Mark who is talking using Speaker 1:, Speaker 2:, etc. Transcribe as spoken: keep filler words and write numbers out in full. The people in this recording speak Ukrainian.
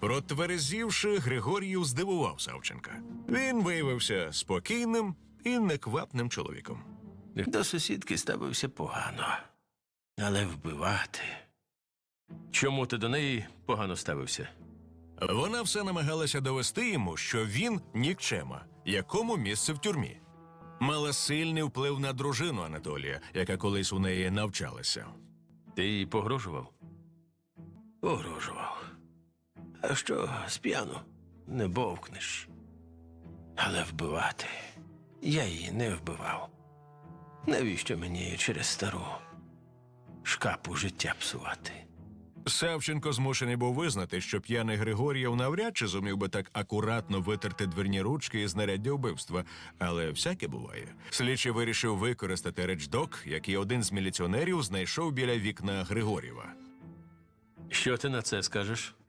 Speaker 1: Протверезівши, Григор'їв здивував Савченка. Він виявився спокійним і неквапним чоловіком.
Speaker 2: До сусідки ставився погано. Але вбивати... Чому ти до неї погано ставився?
Speaker 1: Вона все намагалася довести йому, що він нікчема, якому місце в тюрмі. Мала сильний вплив на дружину Анатолія, яка колись у неї навчалася.
Speaker 2: Ти їй погрожував? Погрожував. А що сп'яну не бовкнеш. Але вбивати я її не вбивав. Навіщо мені через стару шкапу життя псувати?
Speaker 1: Савченко змушений був визнати, що п'яний Григор'єв навряд чи зумів би так акуратно витерти дверні ручки і знаряддя вбивства, але всяке буває. Слідчий вирішив використати речдок, який один з міліціонерів знайшов біля вікна Григор'єва.
Speaker 2: Що ти на це скажеш?